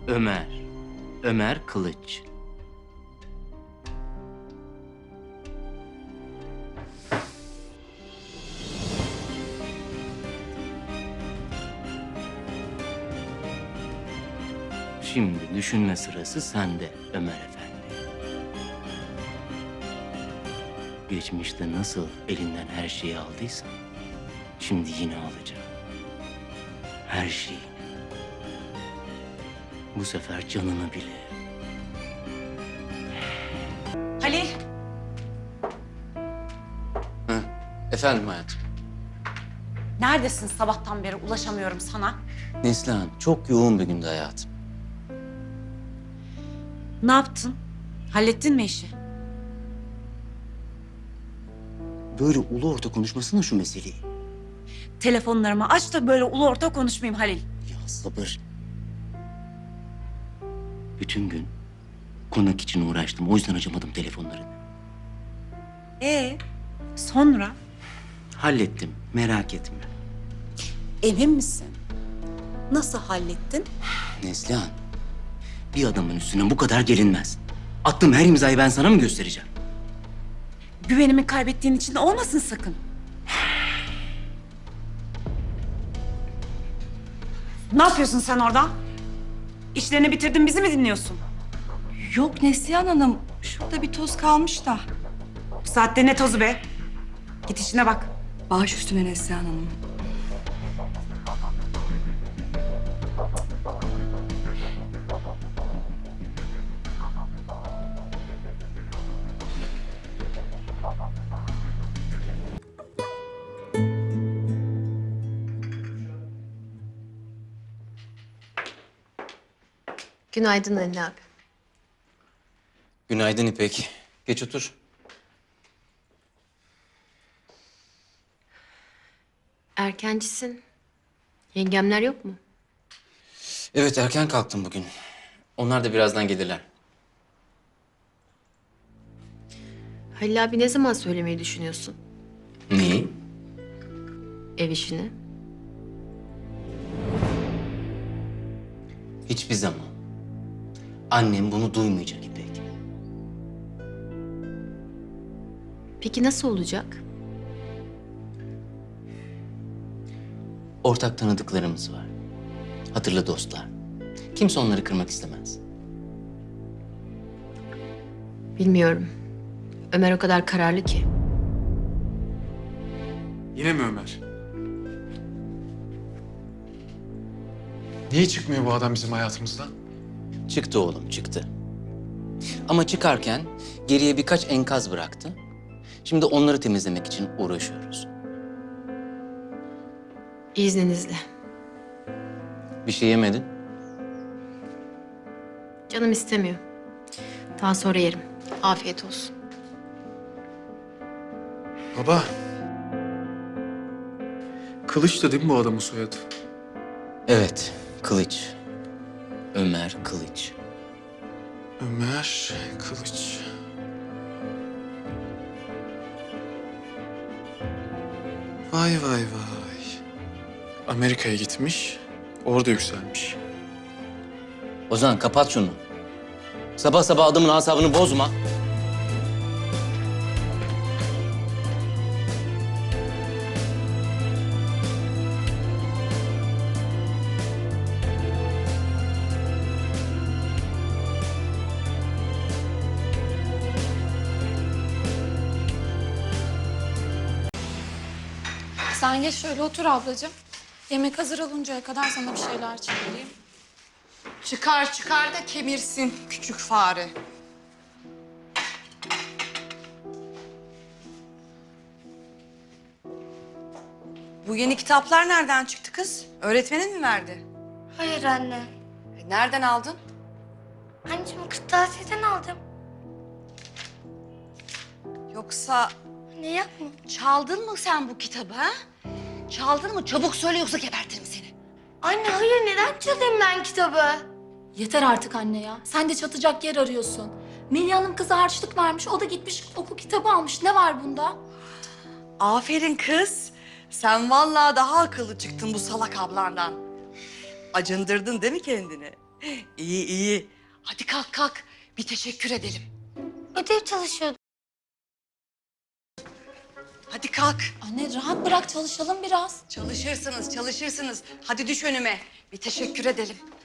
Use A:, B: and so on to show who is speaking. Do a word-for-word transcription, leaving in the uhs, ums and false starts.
A: Ömer. Ömer Kılıç. Şimdi düşünme sırası sende Ömer Efendi. Geçmişte nasıl elinden her şeyi aldıysan, şimdi yine alacağım. Her şeyi. Bu sefer canını bile.
B: Halil.
A: Ha, efendim hayatım.
B: Neredesin sabahtan beri ulaşamıyorum sana.
A: Neslihan, çok yoğun bir gündü hayatım.
B: Ne yaptın? Hallettin mi işi?
A: Böyle ulu orta konuşmasana şu meseleyi.
B: Telefonlarımı aç da böyle ulu orta konuşmayayım Halil.
A: Ya sabır. Bütün gün konak için uğraştım. O yüzden açamadım telefonlarını.
B: Ee, sonra?
A: Hallettim, merak etme.
B: Emin misin? Nasıl hallettin?
A: Neslihan, bir adamın üstüne bu kadar gelinmez. Attığım her imzayı ben sana mı göstereceğim?
B: Güvenimi kaybettiğin için olmasın sakın. Ne yapıyorsun sen orada? İşlerini bitirdin, bizi mi dinliyorsun?
C: Yok Neslihan Hanım, şurada bir toz kalmış da.
B: Bu saatte ne tozu be? Git işine bak.
C: Baş üstüne Neslihan Hanım.
D: Günaydın Ali abi.
A: Günaydın İpek. Geç otur.
D: Erkencisin. Yengemler yok mu?
A: Evet, erken kalktım bugün. Onlar da birazdan gelirler.
D: Halil abi ne zaman söylemeyi düşünüyorsun?
A: Neyi?
D: Ev işini.
A: Hiçbir zaman. Annem bunu duymayacak İpek.
D: Peki nasıl olacak?
A: Ortak tanıdıklarımız var. Hatırlı dostlar. Kimse onları kırmak istemez.
D: Bilmiyorum. Ömer o kadar kararlı ki.
E: Yine mi Ömer? Niye çıkmıyor bu adam bizim hayatımızdan?
A: Çıktı oğlum, çıktı. Ama çıkarken geriye birkaç enkaz bıraktı. Şimdi onları temizlemek için uğraşıyoruz.
D: İzninizle.
A: Bir şey yemedin?
D: Canım istemiyor. Daha sonra yerim. Afiyet olsun.
E: Baba. Kılıç da değil mi bu adamın soyadı?
A: Evet, Kılıç. Ömer Kılıç.
E: Ömer Kılıç. Vay vay vay. Amerika'ya gitmiş, orada yükselmiş.
A: Ozan kapat şunu. Sabah sabah adamın asabını bozma.
F: Sen geç şöyle otur ablacığım. Yemek hazır oluncaya kadar sana bir şeyler çıkarayım.
C: Çıkar çıkar da kemirsin küçük fare. Bu yeni kitaplar nereden çıktı kız? Öğretmenin mi verdi?
G: Hayır anne.
C: E, nereden aldın?
G: Anneciğim kırtasiyeden aldım.
C: Yoksa
G: Ne yapma?
C: çaldın mı sen bu kitabı ha? Çaldın mı? Çabuk söyle yoksa gebertirim seni.
G: Anne hayır neden çalayım ben kitabı?
F: Yeter artık anne ya. Sen de çatacak yer arıyorsun. Melih Hanım kıza harçlık vermiş. O da gitmiş okul kitabı almış. Ne var bunda?
C: Aferin kız. Sen vallahi daha akıllı çıktın bu salak ablandan. Acındırdın değil mi kendini? İyi iyi. Hadi kalk kalk. Bir teşekkür edelim.
G: Ödev çalışıyordum.
C: Hadi kalk.
F: Anne rahat bırak çalışalım biraz.
C: Çalışırsınız çalışırsınız. Hadi düş önüme. Bir teşekkür edelim.